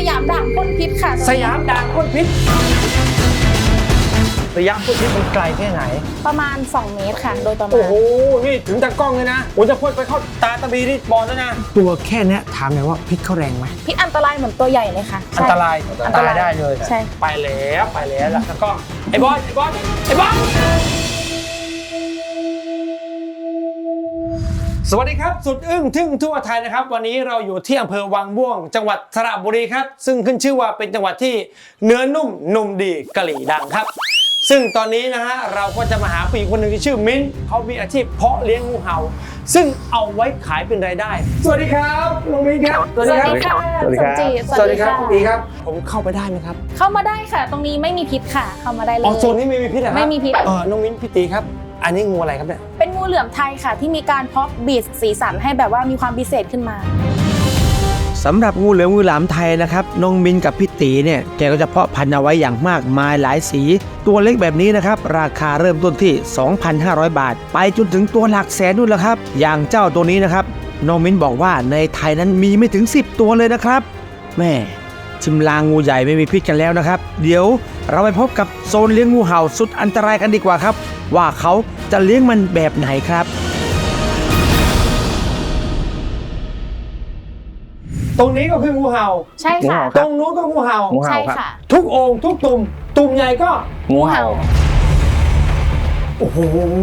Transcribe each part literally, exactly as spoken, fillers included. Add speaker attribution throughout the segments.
Speaker 1: ยามด่างพ่นพิษค่ะ
Speaker 2: สยามด่างพ่นพิษระยะพ่นพิษมันไกลแค่ไหน
Speaker 1: ประมาณสองเมตรค่ะโดยประมาณ
Speaker 2: โอ้โหนี่ถึงตากล้องเลยนะโอ้จะพ่นไปเข้าตาตะบีนี่บอลแล้วนะตัวแค่นี้ถามหน่อยว่าพิษเขาแรงไหม
Speaker 1: พิษอันตรายเหมือนตัวใหญ่เลยค่ะ
Speaker 2: อันตรายอันตรายได้เลย
Speaker 1: ใช่
Speaker 2: ไปแล้วไปแล้วแล้วก็ไอ้บอลไอ้บอลไอ้บอลสวัสดีครับสุดอึ้งทึ่งทั่วไทยนะครับวันนี้เราอยู่ที่อำเภอวังม่วงจังหวัดสระบุรีครับซึ่งขึ้นชื่อว่าเป็นจังหวัดที่เนื้อนุ่มนุ่มดีกะหรี่ดังครับซึ่งตอนนี้นะฮะเราก็จะมาหาผู้หญิงคนหนึ่งที่ชื่อมิ้นเขามีอาชีพเพาะเลี้ยงงูเห่าซึ่งเอาไว้ขายเป็นรายได้สวัสดีครับน้องมิ้นครับ
Speaker 1: สวัสดีครับ
Speaker 2: สวัสดีครับสวัสดีครับดีครับผมเข้าไปได้ไหมครับ
Speaker 1: เข้ามาได้ค่ะตรงนี้ไม่มีพิษค่ะเข้ามาได้เลย
Speaker 2: อ๋อโซนนี้ไม่มีพิษเหรอ
Speaker 1: ไม่มีพิษ
Speaker 2: เออน้องมิ้นพี่ตีครับอันนี้งูอะไรครับเนี่ย
Speaker 1: เป็นงูเหลือมไทยค่ะที่มีการเพาะบีดสีสันให้แบบว่ามีความพิเศษขึ้นมา
Speaker 3: สำหรับงูเหลือมงูหลามไทยนะครับน้องมินกับพี่ตีเนี่ยแกก็จะเพาะพันธุ์เอาไว้อย่างมากมายหลายสีตัวเล็กแบบนี้นะครับราคาเริ่มต้นที่ สองพันห้าร้อย บาทไปจนถึงตัวหลักแสนนู่นแหละครับอย่างเจ้าตัวนี้นะครับน้องมินบอกว่าในไทยนั้นมีไม่ถึงสิบตัวเลยนะครับแม่ชิมลางงูใหญ่ไม่มีพิษกันแล้วนะครับเดี๋ยวเราไปพบกับโซนเลี้ยงงูเห่าสุดอันตรายกันดีกว่าครับว่าเขาจะเลี้ยงมันแบบไหนครับ
Speaker 2: ตรงนี้ก็คืองูเห่า
Speaker 1: ใช่ค่ะ
Speaker 2: ตรงนู้นก็งูเห่า
Speaker 1: ใช่ค่ะ
Speaker 2: ทุกองค์ทุกตุ่มตุ่มใหญ่ก็
Speaker 1: งูเห่า
Speaker 2: โอ้โห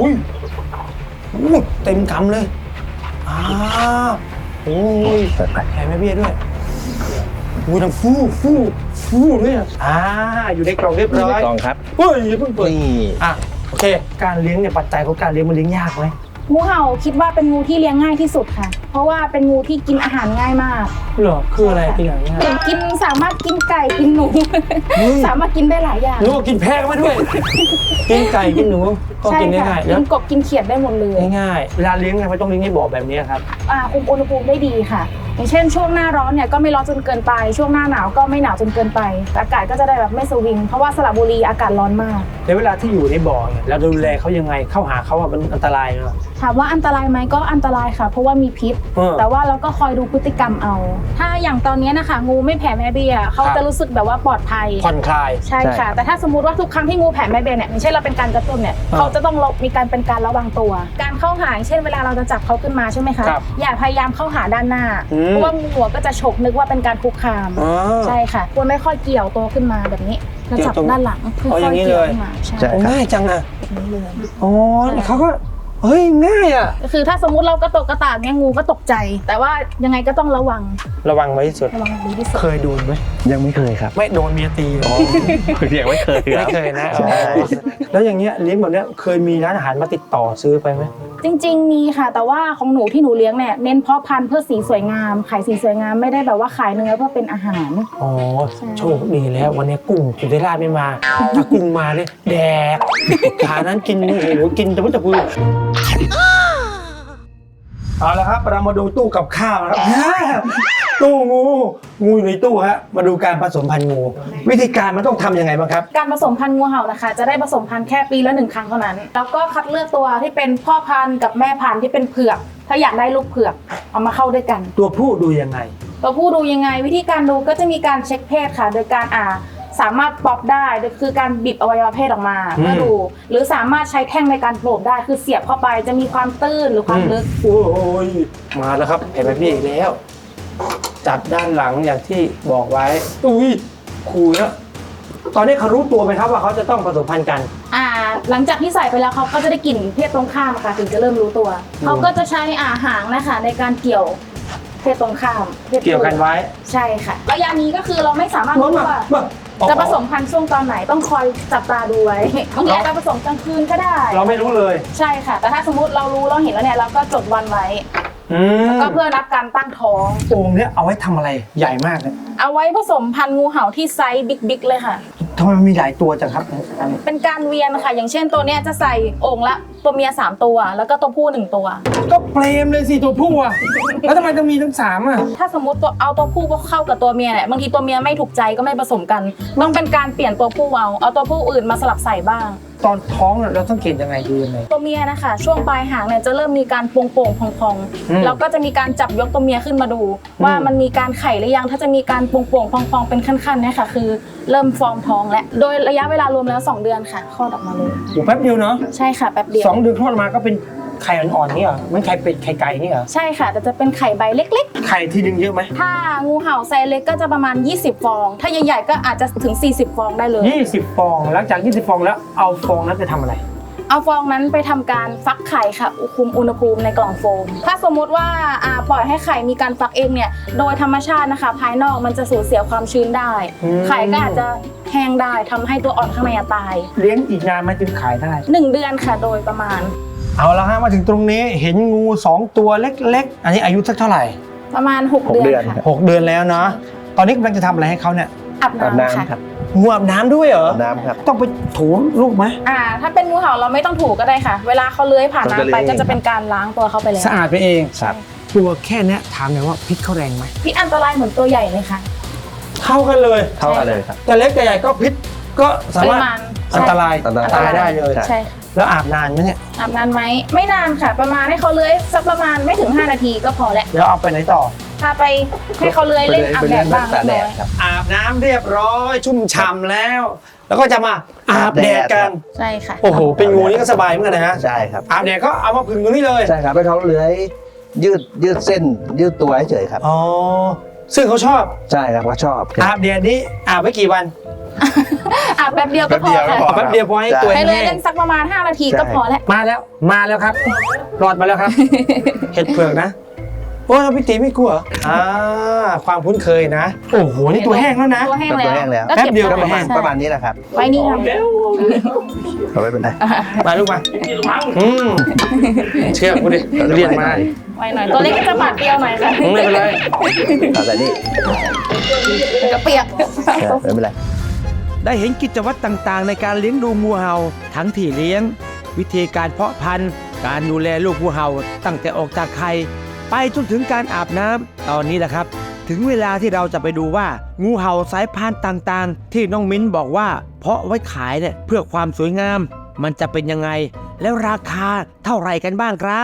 Speaker 2: เต็มกำเลยอ้าวโอ้ยแผลแม่เบี้ยด้วยงูทำฟู่ฟู่ฟู่ด้วยอ่าอยู่ในกล่องเรียบร้อย
Speaker 3: กล่องครับ
Speaker 2: เฮ้ยเพิ่งเปิดอ่ะโอเคการเลี้ยงเนี่ยปัจจัยของการเลี้ยงมันเลี้ยงยากไหม
Speaker 1: งูเห่าคิดว่าเป็นงูที่เลี้ยงง่ายที่สุดค่ะเพราะว่าเป็นงูที่กินอาหารง่ายมาก
Speaker 2: เหรอคืออะไรกินอาหารง่าย
Speaker 1: กินสามารถกินไก่กินหนูสามารถกินได้หลายอย่าง
Speaker 2: หนูกินแพะมาด้วยกินไก่กินหนูก็กินง่ายๆ
Speaker 1: กินกบกินเขียดได้หมดเลย
Speaker 2: ง่ายๆเวลาเลี้ยงไงไม่ต้องเลี้ยงในบ่อแบบนี้ครับ
Speaker 1: อ่าคุมอุณหภูมิได้ดีค่ะอย่างเช่นช่วงหน้าร้อนเนี่ยก็ไม่ร้อนจนเกินไปช่วงหน้าหนาวก็ไม่หนาวจนเกินไปอากาศก็จะได้แบบไม่สวิงเพราะว่าสระบุรีอากาศร้อนมาก
Speaker 2: ในเวลาที่อยู่ในบ่อเนี่ยเราดูแลเขายังไงเข้าหาเขาอ่ะมันอันตรายไหม
Speaker 1: ถามว่าอันตรายไหมก็อันตรายค่ะเพราะว่ามีพิษแต่ว่าเราก็คอยดูพฤติกรรมเอาถ้าอย่างตอนนี้นะคะงูไม่แผ่แม่เบี้ยเขาจะรู้สึกแบบว่าปลอดภัย
Speaker 2: ผ่อนคลาย
Speaker 1: ใช่ค่ะแต่ถ้าสมมติว่าทุกครั้งที่งูแผ่แม่เบี้ยเนี่ยไม่ใช่เราเป็นการกระตุ้นเนี่ยเขาจะต้องมีการเป็นการระวังตัวการเข้าหาเช่นเวลาเราจะจับเขาขึ้นมาใช่ไหมคะอย่าพยายามเข้าหาด้านหน้าเพราะว่างูหัวก็จะฉกนึกว่าเป็นการคุกคามใช่ค่ะควรไม่ค่อยเกี่ยวตัวขึ้นมาแบบนี้แล้วจับด้านหลัง
Speaker 2: ค่อยๆเกี่ยวขึ้นมาใช่ง่ายจังอะอ๋อเขาก็เฮ้ยง่ายอ่ะ
Speaker 1: คือถ้าสมมุติเรากระตกกระตากเนี่ยงูก็ตกใจแต่ว่ายังไงก็ต้องระวัง
Speaker 2: ระวังไว้ที่สุด
Speaker 1: ระวังดีที่สุด
Speaker 2: เคยโดนไหม
Speaker 3: ยังไม่เคยครับ
Speaker 2: ไม่โดนเมียตีอ๋อ
Speaker 3: ยังไม่เคย
Speaker 2: ไม่เคยนะแล้วอย่างเงี้ยเลี้ยงแบบเนี้ยเคยมีร้านอาหารมาติดต่อซื้อไปไหม
Speaker 1: จริงๆมีค่ะแต่ว่าของหนูที่หนูเลี้ยงเนี่ยเน้นเพาะพันธุ์เพื่อสีสวยงามขายสีสวยงามไม่ได้แบบว่าขายเนื้อเพื่อเป็นอาหาร
Speaker 2: อ๋อโชคดีแล้ววันนี้กุ้งสุธิราชไม่มาถ้ากุ้งมาเนี่ยแดกขานั้นกินโอ้โหกินแต่ว่าจะพูดเอาละครับเรามาดูตู้กับข้าวนะครับตู้งูงูอยู่ในตู้ฮะมาดูการผสมพันธุ์งูวิธีการมันต้องทำยังไงบ้างครับ
Speaker 1: การผสมพันธุ์งูเห่านะคะจะได้ผสมพันธุ์แค่ปีละหนึ่งครั้งเท่านั้นแล้วก็คัดเลือกตัวที่เป็นพ่อพันธุ์กับแม่พันธุ์ที่เป็นเผือกถ้าอยากได้ลูกเผือกเอามาเข้าด้วยกัน
Speaker 2: ตัวผู้ดูยังไง
Speaker 1: ตัวผู้ดูยังไงวิธีการดูก็จะมีการเช็คเพศค่ะโดยการอ่าสามารถป๊อปได้คือการบิดอวัยวะเพศออกมาเพื่อดูหรือสามารถใช้แท่งในการโผล่ได้คือเสียบเข้าไปจะมีความตื้นหรือความลึก
Speaker 2: โอ้ยมาแล้วครับเห็นไหมพี่อีกแล้วจับด้านหลังอย่างที่บอกไว้อุ้ยคูลนะตอนนี้เขารู้ตัวไหมครับว่าเขาจะต้องผสมพันธุ์กัน
Speaker 1: อ่าหลังจากที่ใส่ไปแล้วเขาก็จะได้กลิ่นเพศตรงข้ามค่ะถึงจะเริ่มรู้ตัวเขาก็จะใช้อาหางนะคะในการเกี่ยวเพศตรงข้าม
Speaker 2: เกี่ยวกันไว้
Speaker 1: ใช่ค่ะระยะนี้ก็คือเราไม่สามารถรู้ว่าจะผสมพันธุ์ช่วงตอนไหนต้องคอยจับตาดูไว้บางทีอาจจะผสมกลางคืนก็ได้
Speaker 2: เราไม่รู้เลย
Speaker 1: ใช่ค่ะแต่ถ้าสมมติเรารู้เราเห็นแล้วเนี่ยเราก็จดวันไว้ก็เพื่อรับการตั้งท้อง
Speaker 2: โอ่งเนี้ยเอาไว้ทำอะไรใหญ่มากเลย
Speaker 1: เอาไว้ผสมพันธุ์งูเห่าที่ไซส์บิ๊กๆเลยค่ะ
Speaker 2: ทำไมมันมีหลายตัวจังครับ
Speaker 1: เป็นการเวียนค่ะอย่างเช่นตัวเนี้ยจะใส่โอ่งละตัวเมียสามตัวแล้วก็ตัวผู้หนึ่งตัว
Speaker 2: ก็เปรมเลยสิตัวผู้อ่ะแล้วทำไมต้องมีทั้งสามอ่ะ
Speaker 1: ถ้าสมมติตัวเอาตัวผู้เข้ากับตัวเมียเนี่ยบางทีตัวเมียไม่ถูกใจก็ไม่ผสมกันต้องเป็นการเปลี่ยนตัวผู้เอาเอาตัวผู้อื่นมาสลับใส่บ้าง
Speaker 2: ตอนท้องเราต้องเกณฑ์ยังไงดูยังไง
Speaker 1: ตัวเมียนะคะช่วงปลายหางเนี่ยจะเริ่มมีการโป่งๆพอง
Speaker 2: อืม
Speaker 1: ๆแล้วก็จะมีการจับยกตัวเมียขึ้นมาดู ว่ามันมีการไข่หรือยังถ้าจะมีการโป่งๆพองๆเป็นขั้นๆเนี่ยค่ะคือเริ่มฟอร์มท้องแล้วโดยระยะเวลารวมแล้วสองเดือนค่ะคลอดออกมาเลย
Speaker 2: โอ้แป๊บเดียวเนาะ
Speaker 1: ใช่ค่ะแป๊บเดียว
Speaker 2: สองเดือนคลอดมาก็เป็นไข่อ่อนๆนี่เหรอเหมันไข่เป็ดไข่ไก่นี่เหรอ
Speaker 1: ใช่ค่ะแต่จะเป็นไข่ใบเล็ก
Speaker 2: ไข่ทีนึงเยอะไหม
Speaker 1: ๆ ถ้างูเห่าไซส์เล็กก็จะประมาณยี่สิบฟอง ถ้าใหญ่ๆก็อาจจะถึงสี่สิบฟองได้เลย
Speaker 2: ยี่สิบฟองหลังจากยี่สิบฟองแล้วเอาฟองนั้นไปทำอะไร
Speaker 1: เอาฟองนั้นไปทำการฟักไข่ค่ะคุมอุณหภูมิในกล่องโฟม ถ้าสมมุติว่าอ่าปล่อยให้ไข่มีการฟักเองเนี่ยโดยธรรมชาตินะคะ ภายนอกมันจะสูญเสียความชื้นได้
Speaker 2: อืม
Speaker 1: ไข่ก็อาจจะแห้งได้ทำให้ตัวอ่อนข้างในตาย
Speaker 2: เลี้ยงอีกนานไหมถึงขายได้
Speaker 1: หนึ่งเดือนค่ะโดยประมาณ
Speaker 2: เอาละฮะมาถึงตรงนี้เห็นงูสองตัวเล็กๆ อันนี้อายุสักเท่าไหร่
Speaker 1: ประมาณหกเดือนค่ะ
Speaker 2: หกเดือนแล้วเนาะตอนนี้กำลังจะทำอะไรให้เขาเนี่ย
Speaker 1: อาบ
Speaker 4: อาบ
Speaker 1: น้ำค่ะ
Speaker 4: น้ำครับ
Speaker 2: งูอาบน้ำด้วยเหรอ
Speaker 4: อาบน้ำครับ
Speaker 2: ต้องไปถูลูกไหม
Speaker 1: อ่าถ้าเป็นงูเห่าเราไม่ต้องถูก็ได้ค่ะ เวลาเขาเลื้อยผ่าน
Speaker 4: เขาจะ
Speaker 1: น้ำไป
Speaker 4: เลื้อย
Speaker 1: ก็จะเป็นการล้างตัวเขาไปแล้ว
Speaker 2: สะอาดไปเอง
Speaker 4: ครับ
Speaker 2: ตัวแค่เนี้ยถามหน่อยว่าพิษเขาแรงไหม
Speaker 1: พิษอันตรายเหมือนตัวใหญ่เลยค่ะ
Speaker 2: เท่ากันเลย
Speaker 4: เท่ากันเลยครับ
Speaker 2: แต่เล็กแต่ใหญ่ก็พิษก็สา
Speaker 1: ป
Speaker 2: มาร
Speaker 1: ริ
Speaker 2: ถ
Speaker 1: มาณ
Speaker 2: อันตราย
Speaker 4: อันตราย
Speaker 2: ตายได้เลย
Speaker 4: ใช่
Speaker 1: ใช่ค่ะ
Speaker 2: แล้วอาบนานไหมเนี่ย
Speaker 1: อาบนานไหมไม่นานค่ะ ประมาณให้เขาเลื้อยสักประมาณไม่ถึงห้านาทีก็พอแล้ว
Speaker 2: เดี๋ยวเอาไปไหนต่อ
Speaker 1: พาไปให้เขาเลื้อยเล่นอาบแดดบ้าง
Speaker 4: ไปเล่น
Speaker 1: เล็กน้อย
Speaker 4: ครับ
Speaker 2: อาบน้ำเรียบร้อยชุ่มฉ่ำแล้ว แล้วก็จะมาอาบแดดกัน
Speaker 1: ใช่ค่ะ
Speaker 2: โอ้โหเป็นงูนี่ก็สบายเหมือนกันนะฮะ
Speaker 4: ใช่ครับ
Speaker 2: อาบแดดก็เอามาผึ่งตรงนี้เลย
Speaker 4: ใช่ครับให้เขาเลื้อยยืดยืดเส้นยืดตัวเฉยๆครับ
Speaker 2: อ๋อซึ่งเขาชอบ
Speaker 4: ใช่ครับเขาชอบ
Speaker 2: อาบแดดนี้อาบไว้กี่วัน
Speaker 1: อาบแป๊บเดียวก็พอ
Speaker 4: แป๊บเดียวก็พ
Speaker 1: ค่ะ
Speaker 4: อ
Speaker 2: แป๊บเดียวพอให้ตัว
Speaker 1: ให้เลื้อย
Speaker 2: แห้
Speaker 1: เล่
Speaker 2: ง
Speaker 1: นสักประมาณห้านาทีก็พอแล้ว
Speaker 2: มาแล้วมาแล้วครับรอดมาแล้วครับ เห็ดเผือกนะโอ้พี่ตีไม่กลัวเหรออ่าความคุ้นเคยนะ โอ้โหนี่ตัวแห้งแล้วนะ
Speaker 1: ตัวแห้ง
Speaker 4: ตัวแห้งแล้
Speaker 1: แล้ว
Speaker 4: ว
Speaker 1: ก็เก็บ
Speaker 2: แป๊บเดียว
Speaker 4: ก็
Speaker 1: ไว้
Speaker 4: ประมาณ
Speaker 1: ใช่
Speaker 4: ประมาณนี้แหละครับ
Speaker 1: ไว้นี่ค่ะ
Speaker 4: เอาไว้เป็นไร
Speaker 2: มาลูกมาอืมเชื่อกูดิเรียนมา
Speaker 1: ไว้หน่อยตัวเล็กก็จะบาดเดียวหน่อยค่ะ
Speaker 2: ไม่เป็นไร
Speaker 4: เอาแต่นี่
Speaker 1: กระเปียก
Speaker 4: เออไม่เป็นไร
Speaker 3: ได้เห็นกิจวัตรต่างๆ ในการเลี้ยงดูงูเห่าทั้งที่เลี้ยง วิธีการเพาะพันธุ์ การดูแลลูกงูเห่าตั้งแต่ออกจากไข่ไปจนถึงการอาบน้ำตอนนี้แหละครับ ถึงเวลาที่เราจะไปดูว่างูเห่าสายพันธุ์ต่างๆ ที่น้องมิ้นบอกว่าเพาะไว้ขายเนี่ยเพื่อความสวยงาม มันจะเป็นยังไง แล้วราคาเท่าไหร่กันบ้างครับ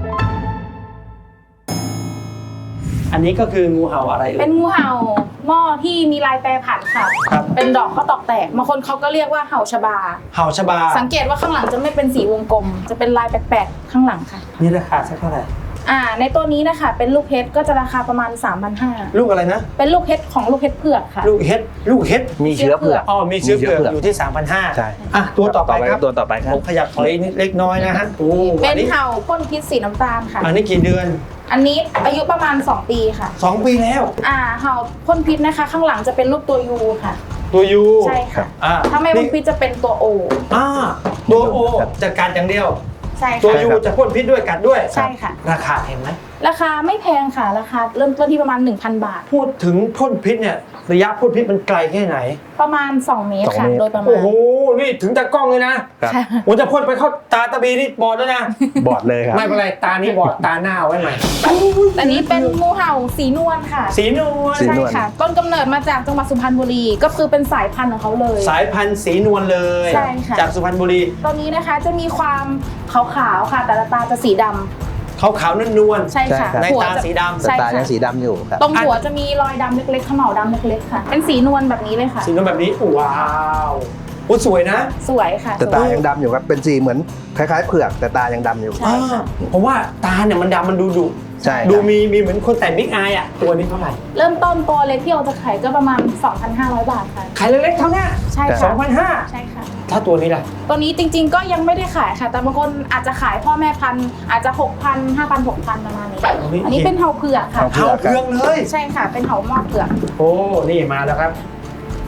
Speaker 2: อันนี้ก็คืองูเห่าอะไรเอ่
Speaker 1: เป็
Speaker 2: ย
Speaker 1: นงูเห่าหม้อที่มีลายแปรผันค่ะ
Speaker 2: ครับ
Speaker 1: เป็นดอกข้าวตอกแตกบางคนเขาก็เรียกว่าเห่าชบา
Speaker 2: เห่าชบา
Speaker 1: สังเกตว่าข้างหลังจะไม่เป็นสีวงกลม จะเป็นลายแปลกๆข้างหลังค่ะ
Speaker 2: นี่ราคาสักเท่าไหร่
Speaker 1: อ่า ในตัวนี้นะคะเป็นลูกเพชรก็จะราคาประมาณ สามพันห้าร้อย
Speaker 2: ลูกอะไรนะ
Speaker 1: เป็นลูกเพชรของลูกเพชรเผือกค่ะ
Speaker 2: ลูกเห็ดลูกเห็ด
Speaker 4: มีเชื้อเผือก
Speaker 2: อ๋อมีเชื้อเผือก
Speaker 4: มีเชื้อเผือก
Speaker 2: อยู่ที่ สามพันห้าร้อย
Speaker 4: ใช่
Speaker 2: อ่ะตัวต่อไปครับ
Speaker 4: ตัวต่อไปครับ
Speaker 2: ผมขยับถอยนิดเล็กน้อยนะฮะโอ้
Speaker 1: เป็
Speaker 2: อั
Speaker 1: น
Speaker 2: นนี้
Speaker 1: เห่าพ่นพิษสีน้ำตาลค่ะ
Speaker 2: อันนี้กี่เดือน
Speaker 1: อันนี้อายุประมาณสองปีค่ะ
Speaker 2: สองปีแล้ว
Speaker 1: อ่า เห่าพ่นพิษนะคะ ข้างหลังจะเป็นรูปตัวยูค่ะ
Speaker 2: ตัวยู
Speaker 1: ใช่ค่ะ
Speaker 2: อ่า
Speaker 1: ถ้าไม่พ่นพิษจะเป็นตัวโอ
Speaker 2: อ่าตัวโอจะกัดอย่างเดียว
Speaker 1: ใช่
Speaker 2: ตัว
Speaker 1: ค่ะ
Speaker 2: ยูจะพ่นพิษด้วยกัดด้วย
Speaker 1: ใช่ค่ะ
Speaker 2: ราคาเห็นไหม
Speaker 1: ราคาไม่แพงค่ะ ราคาเริ่มต้นที่ประมาณ หนึ่งพัน บาท
Speaker 2: พูดถึงพ่นพิษเนี่ยระยะพ่นพิษมันไกลแค่ไหน
Speaker 1: ประมาณ สอง เมตร
Speaker 4: สอง
Speaker 1: ค่ะ
Speaker 4: เมตร
Speaker 1: โดยประมา
Speaker 2: โอ้
Speaker 1: ณ
Speaker 2: โหนี่ถึงตากล้องเลยนะครับ
Speaker 1: ค่ะ
Speaker 2: ผมจะพ่นไปเข้าตาตาบีนี่บอดแล้วนะ
Speaker 4: บอดเลยครับ
Speaker 2: ไม่เป็นไรตานี่บอดตาหน้าเอาไว้ใหม่
Speaker 1: อันนี้เป็นงูเห่าสีนวลค่ะ
Speaker 2: สีนวล
Speaker 4: สี
Speaker 1: ใช่
Speaker 4: นวล
Speaker 1: ค่ะ ต้นกำเนิดมาจากจังหวัดสุพรรณบุรี ก็คือเป็นสายพันธุ์ของเขาเลย
Speaker 2: สายพันธุ์สีนวลเลย
Speaker 1: ใช่ค่ะ
Speaker 2: จากสุพรรณบุรี
Speaker 1: ตัวนี้นะคะจะมีความขาวๆค่ะ แต่ละตาจะสีดำ
Speaker 2: ขาวขาวนวลนวล
Speaker 1: ใช่ค่ะ
Speaker 4: ใช่ครับ
Speaker 2: ใน
Speaker 1: หัว
Speaker 2: ตา
Speaker 1: จะ
Speaker 2: สีดำ
Speaker 4: แต่
Speaker 1: ใช่
Speaker 4: ตา
Speaker 1: ค่ะ
Speaker 4: ยังสีดำอยู่ครับ
Speaker 1: ตรงหัวจะมีรอยดำเล็กๆขม่าวดำเล็กๆค่ะ เป็นสีนวลแบบนี้เลยค่ะ
Speaker 2: สีนวลแบบนี้ว้าวโอ้สวยนะ
Speaker 1: สวยค่ะ
Speaker 4: แต่
Speaker 1: ส
Speaker 4: ตา
Speaker 1: วย
Speaker 4: ยังดำอยู่ครับ เป็นสีเหมือนคล้ายๆเผือกแต่ตายังดำอยู่
Speaker 1: ใช่ค่ะ
Speaker 2: เพราะว่าตาเนี่ยมันดำมันดูดุ
Speaker 4: ใช่ครับ
Speaker 2: ดูมีมีเหมือนคนแต่งบิ๊กอายอ่ะตัวนี้เท่าไหร่
Speaker 1: เริ่มต้นตัวเล็กที่เราจะขายก็ประมาณ สองพันห้าร้อย บาทค่ะ
Speaker 2: ขายเล็กๆเท่านี้
Speaker 1: ใช่
Speaker 2: สอ
Speaker 1: ค่ะ
Speaker 2: งพันห้า
Speaker 1: ใช่ค่ะ
Speaker 2: ถ้าตัวนี้ล่ะ
Speaker 1: ตัวนี้จริงๆก็ยังไม่ได้ขายค่ะ แต่บางคนอาจจะขายพ่อแม่พันธุ์อาจจะ หกพัน ห้าพัน หกพัน ประมาณนี้ อันนี้เป็นเห่าเผือกค่ะ
Speaker 4: เห่า
Speaker 2: เท้าเพืองเลย
Speaker 1: ใช่ค่ะ เป็นเห่าหม้อเผือก
Speaker 2: โอ้นี่มาแล้วครับ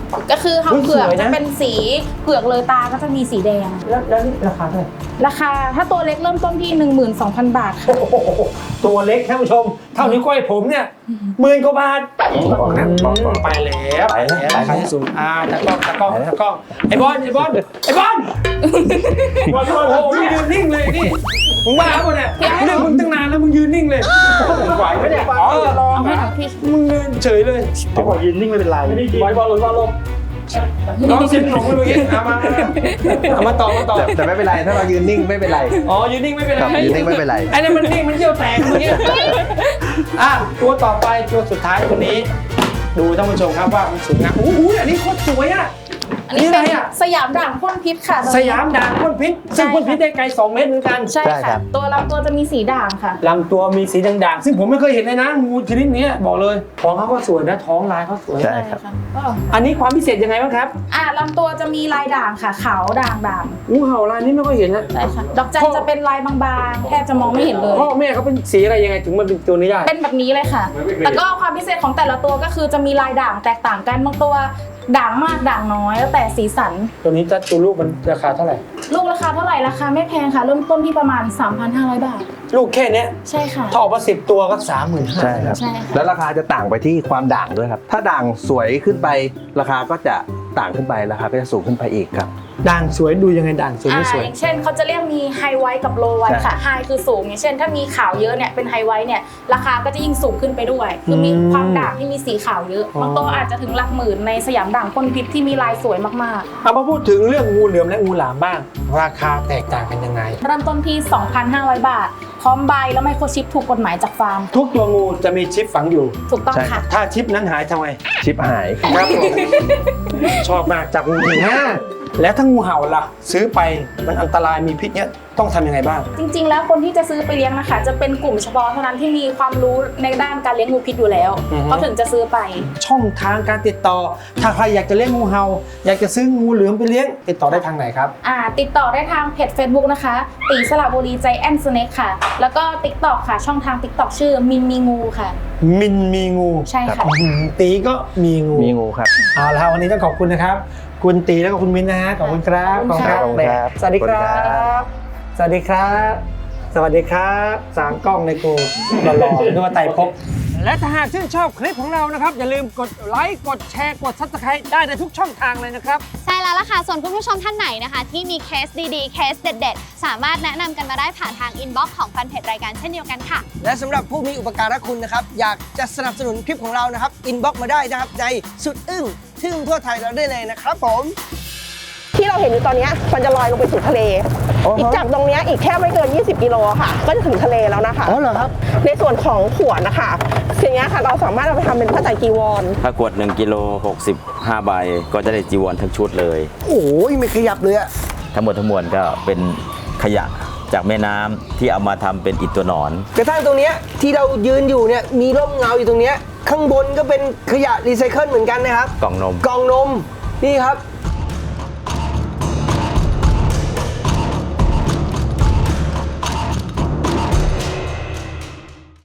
Speaker 1: ก็คือหางเผือก
Speaker 2: สวยนะ
Speaker 1: จะเป็นสีเผือกเลยตาก็จะมีสีแดง
Speaker 2: แล้วแล้วนี่ราคาเท่าไหร่
Speaker 1: ราคาถ้าตัวเล็กเริ่มต้นที่ หนึ่งหมื่นสองพัน บาทค่ะ
Speaker 2: โอ้โหตัวเล็กท่านผู้ชม เท่านิ้วก้อยผมเนี่ยหมื่นกว่าบาท
Speaker 4: บอกนะบอกบอก
Speaker 2: ไปแล้ว
Speaker 4: ไปแล้ว
Speaker 2: ราคาที่สูงอ่าตะกล้องตะกล้องตะกล้องไอ้บอลไอ้บอลไอ้บอลบอลบอลโอ้โหมึงยืนนิ่งเลยนี่มึงบ้าปะเนี่ยเรื่องมึงตั้งนานแล้วมึงยืนนิ่งเลยไหวไหมเนี่ยอ๋อ
Speaker 1: เอาให้พี่
Speaker 2: มึงยืนเฉยเลย
Speaker 5: เขาบอกยืนนิ่งไม่เป็นไร
Speaker 2: บอลบอลลงบอลลงน้องเสียงหลงไปเมื่อกี้เอามาเอามาต่อมาต่อ
Speaker 4: แต่แต่ไม่เป็นไรถ้าเรายืนนิ่งไม่เป็นไร
Speaker 2: อ๋อยืนนิ่งไม่เป็นไร
Speaker 4: ครับยืนนิ่งไม่เป็นไร
Speaker 2: ไอ้นั่นมันนิ่งมันเยี่ยวแตกเมื่อกี้อ่ะตัวต่อไปตัวสุดท้ายตัวนี้ ดูท่านผู้ชมครับว่ามันสวยงามโอ้โหอันนี้โคตรสวยอ่ะ
Speaker 1: อันนี้
Speaker 2: นี่อะไร
Speaker 1: เป็น
Speaker 2: อ่ะ
Speaker 1: สยามด่างพ่นพิษค่ะ
Speaker 2: สยามด่างพ่นพิษซึ่งพ่นพิษได้ไกลสองเมตรเหมือนกัน
Speaker 1: ใช่
Speaker 4: ใช่ครั
Speaker 1: ค่ะ
Speaker 4: บ
Speaker 1: ตัวลำตัวจะมีสีด่างค่ะ
Speaker 2: ลำตัวมีสีด่างๆซึ่งผมไม่เคยเห็นเลยนะงูชนิดนี้บอกเลยท้องเขาก็สวยนะท้องลายเขาสวย
Speaker 4: ใช่ครับ
Speaker 1: ก็
Speaker 2: อันนี้ความพิเศษยังไงบ้างครับ
Speaker 1: อ่าลำตัวจะมีลายด่างค่ะขาวด่างด่าง
Speaker 2: งูเห่าลายนี้ไม่ค่อยเห็นนะ
Speaker 1: ใช่ค่ะดอกจันจะเป็นลายบางๆแทบจะมองไม่เห็นเลย
Speaker 2: พ่อแม่เขาเป็นสีอะไรยังไงถึงมาเป็นตัวนี้ได้
Speaker 1: เป็นแบบนี้เลยค่ะ แต่ก็ความพิเศษของแต่ละตัวก็คือจะมีลายด่างแตกต่างกันบางตัวด่างมากด่างน้อยแล้วแต่สีสัน
Speaker 2: ตัวนี้จะตัวลูกมันราคาเท่าไหร่
Speaker 1: ลูกราคาเท่าไหร่ราคาไม่แพงค่ะ เริ่มต้นที่ประมาณ สามพันห้าร้อย บาท
Speaker 2: ลูกแค่เนี้ย
Speaker 1: ใช่ค่ะ
Speaker 2: ถ้าออกมาสิบตัวก็สามหมื่นห้า
Speaker 4: ใช่ครับ
Speaker 1: ใช่ค่ะ
Speaker 4: แล้วราคาจะต่างไปที่ความด่างด้วยครับ ถ้าด่างสวยขึ้นไป ราคาก็จะต่างขึ้นไปราคาก็จะสูงขึ้นไปอีกครับ
Speaker 2: ด่างสวยดูยังไงด่างสวย
Speaker 1: อ่า
Speaker 2: ไม่สวย
Speaker 1: อย่างเช่นเขาจะเรียกมีไฮไวท์กับโลไวท์ค่ะไฮคือสูงอย่างเช่นถ้ามีขาวเยอะเนี่ยเป็นไฮไวท์เนี่ยราคาก็จะยิ่งสูงขึ้นไปด้วย คือมี
Speaker 2: อืม
Speaker 1: ความด่างที่มีสีขาวเยอะ
Speaker 2: อ๋อ
Speaker 1: บางตัวอาจจะถึงหลักหมื่นในสยามด่างพ่นพิษที่มีลายสวยมาก
Speaker 2: เอามาพูดถึงเรื่องงูเหลือมและงูหลามบ้าง ราคาแตกต่างกันยังไง
Speaker 1: ๆ เริ่มต้นที่ สองพันห้าร้อย บาท พร้อมใบแล้วไมโครชิปถูกกฎหมายจากฟาร์ม
Speaker 2: ทุกตัวงูจะมีชิปฝังอยู่
Speaker 1: ถูกต้อง
Speaker 4: ใช่
Speaker 1: ค่ะ
Speaker 2: ถ้าชิปนั้นหายทำไม
Speaker 4: ชิปหาย
Speaker 2: ครับผมชอบมากจับงูจริงฮะแล้วถ้างูเห่าล่ะ ซื้อไปมันอันตรายมีพิษเนี้ยต้องทำยังไงบ้าง
Speaker 1: จริงๆ แล้วคนที่จะซื้อไปเลี้ยงนะคะ จะเป็นกลุ่มเฉพาะเท่านั้นที่มีความรู้ในด้านการเลี้ยงงูพิษอยู่แล้ว
Speaker 2: อือฮึ
Speaker 1: เขาถึงจะซื้อไป
Speaker 2: ช่องทางการติดต่อ ถ้าใครอยากจะเลี้ยงงูเห่าอยากจะซื้องูเหลือมไปเลี้ยงติดต่อได้ทางไหนครับ
Speaker 1: อ่าติดต่อได้ทางเพจ Facebook นะคะตีสระบุรีใจแอนสเน็กค่ะ แล้วก็ TikTok ค่ะ ช่องทาง TikTok ชื่อมินมีงูค่ะ
Speaker 2: มินมีงู
Speaker 1: ใช่ค่ะ
Speaker 2: อื้อหือตีก็มีงู
Speaker 4: มีงูครับ
Speaker 2: เอาละครับวันนี้ต้องขอบคุณนะครับ คุณตีแล้วก็คุณมินนะฮะขอบคุณครับ
Speaker 1: ขอบคุณครับ
Speaker 4: ขอบคุณครับ
Speaker 2: สวัสดีครั
Speaker 4: ขอบคุณครับ บ
Speaker 2: สวัสดีครับ สวัสดีครับสามกล้องในกูหล่อๆนึกว่าไต่พบและถ้าหากชื่นชอบคลิปของเรานะครับ อย่าลืมกดไลค์กดแชร์กดซับสไครต์ได้ในทุกช่องทางเลยนะครับ
Speaker 6: ใช่แล้วล่ะค่ะ ส่วนคุณผู้ชมท่านไหนนะคะ ที่มีเคสดีๆ เคสเด็ดๆ สามารถแนะนำกันมาได้ผ่านทางอินบ็อกซ์ของแฟนเพจรายการเช่นเดียวกันค่ะ
Speaker 7: และสำหรับผู้มีอุปการะคุณนะครับ อยากจะสนับสนุนคลิปของเรานะครับ อินบ็อกมาได้นะครับ ในสุดอึ้งทึ่งทั่วไทยเราได้เลยนะครับผม
Speaker 8: ที่เราเห็นอยู่ตอนเนี้ยมันจะลอยลงไปสู่ทะเล อีกจากตรงเนี้ยอีกแค่ไม่เกิน ยี่สิบ กิโลค่ะ ก็จะถึงทะเลแล้วนะคะ
Speaker 7: อ๋อเหรอครับ
Speaker 8: ในส่วนของขวดนะคะสิ่งนี้ยค่ะเราสามารถเอาไปทำเป็นผ้าไตรจีวร
Speaker 9: ถ้ากวดหนึ่งกิโลหกสิบห้าใบก็จะได้จีวรทั้งชุดเลย
Speaker 7: โอ้ยไม่ขยับเลยอะ
Speaker 9: ทั้งหมดทั้งมวลก็เป็นขยะจากแม่น้ำที่เอามาทำเป็นอิฐตัวหนอน
Speaker 7: กระทั่งตรงเนี้ยที่เรายืนอยู่เนี่ยมีร่มเงาอยู่ตรงเนี้ยข้างบนก็เป็นขยะรีไซเคิลเหมือนกันนะครับ
Speaker 9: กล่องนม
Speaker 7: กล่องนมนี่ครับ